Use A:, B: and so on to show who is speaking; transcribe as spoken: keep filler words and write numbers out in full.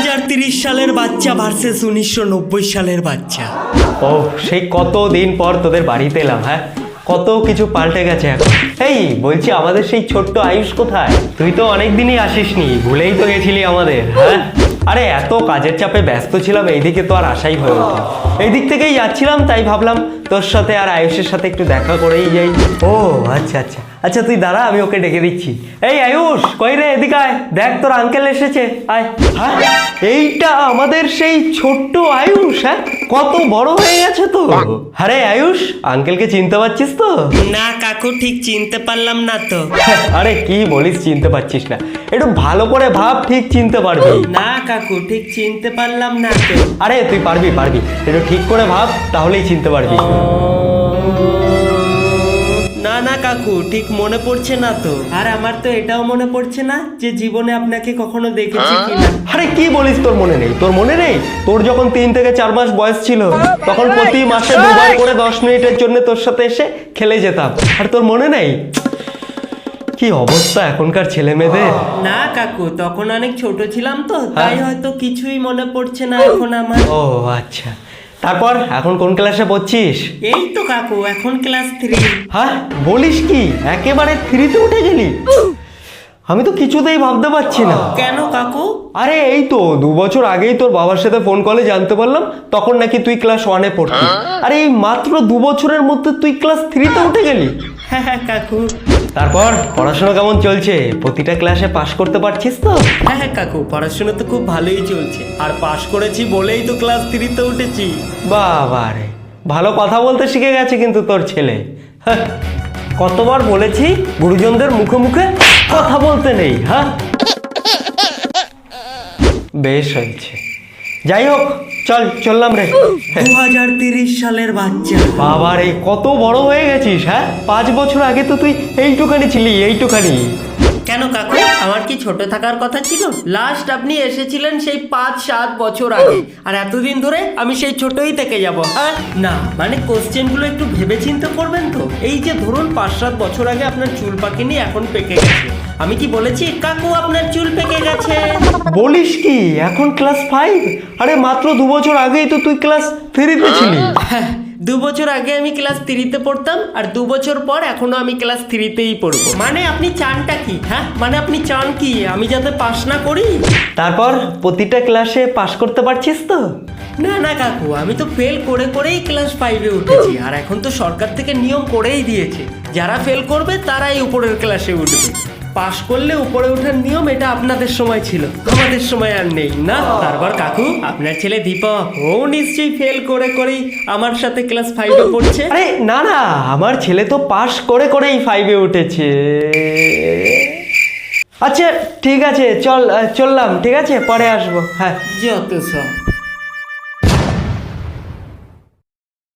A: হাজার তিরিশ সালের বাচ্চা ভার্সেস উনিশশো নব্বই সালের বাচ্চা।
B: ও সেই কত দিন পর তোদের বাড়িতে এলাম। হ্যাঁ, কত কিছু পাল্টে গেছে এখন। এই বলছি, আমাদের সেই ছোট্ট আয়ুষ কোথায়? তুই তো অনেক দিনই আসিসনি, ভুলেই তো গেছিলি আমাদের। হ্যাঁ, আরে এত কাজের চাপে ব্যস্ত ছিলাম, এইদিকে তো আর আশাই হয়ে ওঠে। এই দিক থেকেই যাচ্ছিলাম, তাই ভাবলাম তোর সাথে আর আয়ুষের সাথে একটু দেখা করেই যাই। ও আচ্ছা আচ্ছা আচ্ছা, তুই দাঁড়া, আমি ওকে ডেকে দিচ্ছি। এই আয়ুষ, কই রে, এদিকে আয়, দেখ তোর আঙ্কেল এসেছে, আয়। হ্যাঁ, এইটা আমাদের সেই ছোট্ট আয়ুষ। হ্যাঁ, কত বড় হয়ে গেছে তো। আরে আয়ুষ, আঙ্কেলকে চিনতে পারছিস তো?
A: না কাকু, ঠিক চিনতে পারলাম না তো।
B: আরে কি বলিস, চিনতে পারছিস না? একটু ভালো করে ভাব, ঠিক চিনতে পারবি।
A: না কাকু, ঠিক চিনতে পারলাম না তো।
B: আরে তুই পারবি পারবি, একটু ঠিক করে ভাব, তাহলেই চিনতে পারবি।
A: না না কাকু, ঠিক মনে পড়ছে না তো। আর আমার তো এটাও মনে পড়ছে না যে জীবনে আপনাকে কখনো দেখেছি কিনা।
B: আরে কি বলিস, তোর মনে নেই? তোর মনে নেই? তোর যখন তিন থেকে চার মাস বয়স ছিল, তখন প্রতি মাসে দুবার করে দশ মিনিটের জন্য তোর সাথে এসে খেলে যেতাম। আর তোর মনে নেই? কি অবস্থা এখনকার ছেলে মেয়েদের।
A: না কাকু, তখন অনেক ছোট ছিলাম তো, তাই হয়তো কিছুই মনে পড়ছে না এখন আমার।
B: ও আচ্ছা, তারপর এখন কোন ক্লাসে পড়ছিস?
A: এই তো কাকু, এখন ক্লাস থ্রি।
B: হ্যাঁ, বলিস কি, একেবারে থ্রিতে উঠে গেলি? আমি তো কিছুতেই ভাবতে পারছি না।
A: কেন কাকু?
B: আরে এই তো দু বছর আগেই তোর বাবার সাথে ফোন কলে জানতে পারলাম, তখন নাকি তুই ক্লাস ওয়ানে পড়তি। আরে এই মাত্র দু বছরের মধ্যে তুই ক্লাস থ্রিতে উঠে গেলি?
A: হ্যাঁ হ্যাঁ কাকু।
B: তারপর পড়াশোনা কেমন চলছে? প্রতিটা ক্লাসে পাশ করতে পারছিস তো?
A: হ্যাঁ হ্যাঁ কাকু, পড়াশোনা তো খুব ভালোই চলছে, আর পাশ করেছি বলেই তো ক্লাস থ্রিতে উঠেছি।
B: বাবা রে, ভালো কথা বলতে শিখে গেছে কিন্তু তোর ছেলে। হ্যাঁ, কতবার বলেছি গুরুজনদের মুখে মুখে কথা বলতে নেই। হ্যাঁ, বেশ হয়েছে। যাই হোক, চল চললাম রে।
A: দু হাজার তিরিশ সালের বাচ্চা।
B: বাবা রে, কত বড় হয়ে গেছিস। হ্যাঁ, পাঁচ বছর আগে তো তুই এইটুখানি ছিলি, এইটুখানি।
A: কেন কাকু, আমার কি ছোট থাকার কথা ছিল? লাস্ট আপনি এসেছিলেন সেই পাঁচ সাত বছর আগে, আর এতদিন ধরে আমি সেই ছোটই থেকে যাব। হ্যাঁ না, মানে কোশ্চেনগুলো একটু ভেবে চিন্তে করবেন তো। এই যে ধরুন পাঁচ সাত বছর আগে আপনার চুল পাকেনি, এখন পেকে গেছে। আমি কি বলেছি কাকু আপনার চুল পেকে গেছে?
B: বলিস কি, এখন ক্লাস ফাইভ? আরে মাত্র দু বছর আগেই তো তুই ক্লাস থ্রিতে ছিলি।
A: হ্যাঁ, দু বছর আগে আমি ক্লাস থ্রিতে পড়তাম, আর দু বছর পর এখনো আমি ক্লাস থ্রিতেই পড়বো। মানে আপনি চানটা কি? হ্যাঁ, মানে আপনি চান কি আমি যাতে পাস না করি?
B: তারপর প্রতিটা ক্লাসে পাশ করতে পারছিস তো?
A: না না কাকু, আমি তো ফেল করে করেই ক্লাস ফাইভে উঠেছি, আর এখন তো সরকার থেকে নিয়ম করেই দিয়েছে যারা ফেল করবে তারাই উপরের ক্লাসে উঠবে। পাশ করলে উপরে ওঠার নিয়ম, এটা আপনাদের সময় ছিল, আমাদের সময় আর নেই না। তারপর কাকু, আপনার ছেলে দীপক, ও নিশ্চয়ই ফেল করে করেই আমার সাথে ক্লাস ফাইভে পড়ছে।
B: আরে না না, আমার ছেলে তো পাশ করে করেই ফাইভে উঠেছে। আচ্ছা ঠিক আছে, চল চললাম, ঠিক আছে, পরে আসবো। হ্যাঁ,
A: যত সব।